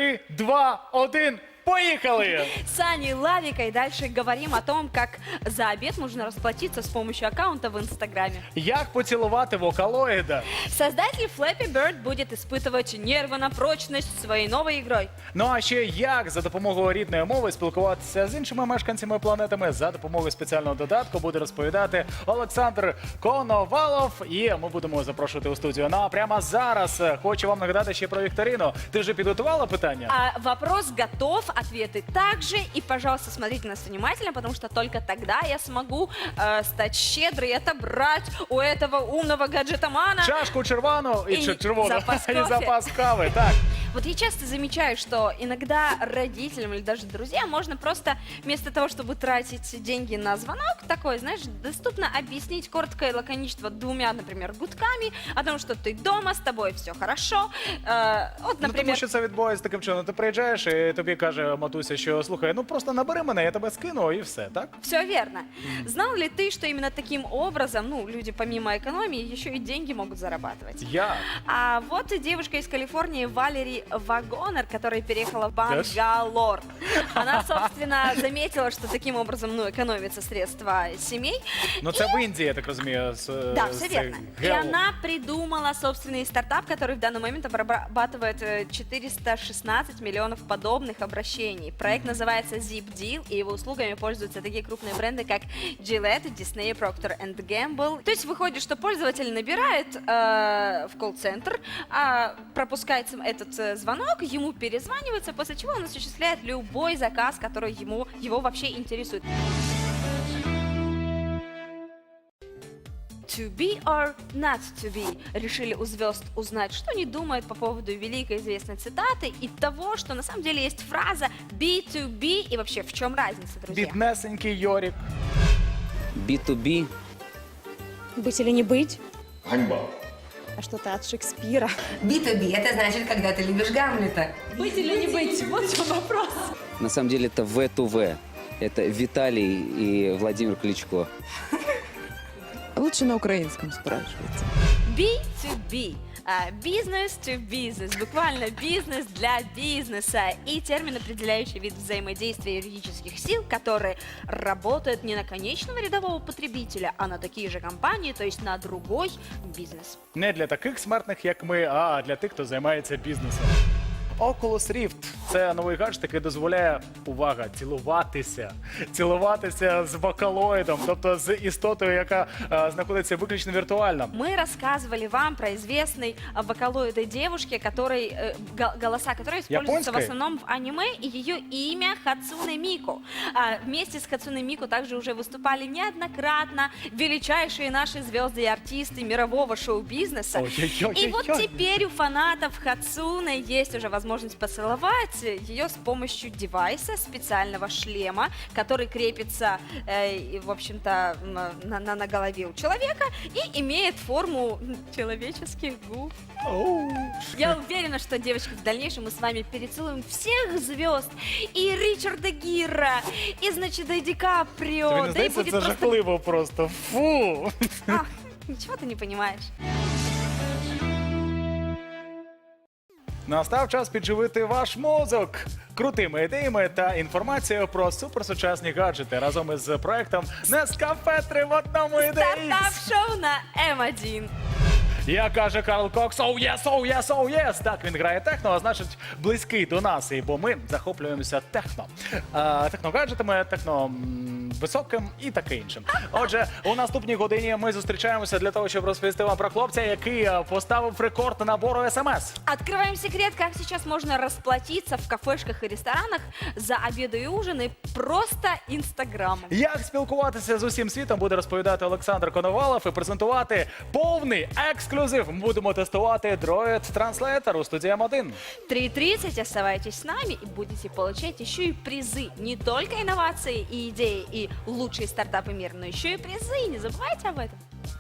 3, 2, 1. Поехали! С Аней Лавикой и дальше говорим о том, как за обед можно расплатиться с помощью аккаунта в Инстаграме. Як поцілувати вокалоїда? Создатель Flappy Bird будет испытывать нервы на прочность своей новой игрой. Ну а ще як за допомогою рідної мови спілкуватися з іншими мешканцями планетами за допомогою спеціального додатку буде розповідати Олександр Коновалов. І ми будемо запрошувати у студію. Ну а прямо зараз хочу вам нагадати ще про вікторину. Ти вже підготувала питання? А вопрос готов, ответы также. И, пожалуйста, смотрите нас внимательно, потому что только тогда я смогу стать щедрой и отобрать у этого умного гаджетомана. Чашку червону И червону запас и кофе. запас кави. Так. Вот я часто замечаю, что иногда родителям или даже друзьям можно просто вместо того, чтобы тратить деньги на звонок, такой, знаешь, доступно объяснить коротко и лаконично двумя, например, гудками о том, что ты дома, с тобой все хорошо. Вот, Ну, тому например, що це відбувається таким чином. Ти приїжджаєш і тобі каже матуся, що слухай, ну просто набери мене, я тебе скину і все, так? все верно. Знал ли ты, что именно таким образом, ну, люди помимо экономии еще и деньги могут зарабатывать? Я. А вот и девушка из Калифорнии Валери Вагонер, которая переехала в Бангалор. Она, собственно, заметила, что таким образом, ну, экономятся средства семей. Ну це в Індії, я так розумію. Да, все верно. И она придумала собственный стартап, который в данный момент обрабатывает 416 миллионов подобных обращений. Проект называется Zip Deal, и его услугами пользуются такие крупные бренды, как Gillette, Disney, Procter Gamble. То есть выходит, что пользователь набирает в колл-центр, пропускает этот звонок, ему перезванивается, после чего он осуществляет любой заказ, который его вообще интересует. To be or not to be. Решили у звезд узнать, что они думают по поводу великой известной цитаты и того, что на самом деле есть фраза be to be, и вообще в чем разница, друзья? Біднесенький Йорік. B2B. Быть или не быть? Ганьба. А что-то от Шекспира. B2B – это значит, когда ты любишь Гамлета. Быть или не быть? Вот в чем вопрос. На самом деле это V2V. Это Виталий и Владимир Кличко. Лучше на украинском спрашивайте. Be to be. Business to business, буквально бизнес для бизнеса. И термин, определяющий вид взаимодействия юридических сил, которые работают не на конечного рядового потребителя, а на такие же компании, то есть на другой бизнес. Не для таких смертних, як ми, а для тих, хто займається бізнесом. Oculus Rift – це новий гаджет, який дозволяє, увага, цілуватися з вокалоїдом, тобто з істотою, яка знаходиться виключно віртуально. Мы рассказывали вам про известной вокалоидной девушке, голоса которой используются в Японской? основном в аниме, и ее имя Хацуне Мику. Вместе с Хацуне Мику также уже выступали неоднократно величайшие наши звезды и артисты мирового шоу-бизнеса. Ой-ой-ой-ой-ой. И вот теперь у фанатов Хацуне есть уже возможность поцеловать ее с помощью девайса, специального шлема, который крепится, в общем-то, на голове у человека и имеет форму человеческих губ. Я уверена, что, девочки, в дальнейшем мы с вами перецелуем всех звезд. И Ричарда Гира, и, значит, и Ди Каприо. Тобі не Да и здається, будет це просто... жахливо просто. Фу! Ах, ничего ты не понимаешь. Настав час підживити ваш мозок крутими ідеями та інформацією про суперсучасні гаджети разом із проектом Нескафе 3 в одному ідеї. Стартап-шоу на М1. Як каже Карл Кокс, «Oh yes, oh yes, oh yes!» Так, він грає техно, а значить близький до нас, бо ми захоплюємося техно. Техногаджетами, високим і таке іншим. Отже, у наступній годині ми зустрічаємося для того, щоб розповісти вам про хлопця, який поставив рекорд набору СМС. Открываем секрет, как сейчас можно расплатиться в кафешках и ресторанах за обеды и ужины просто Инстаграмом. Як спілкуватися з усім світом, буде розповідати Олександр Коновалов і презентувати повний ексклюзив. Ми будемо тестувати Droid Translator у студії М1. 3:30, оставайтесь с нами и будете получать еще и призы. Не только инновации и идеи, и лучшие стартапы мира, но еще и призы. Не забывайте об этом.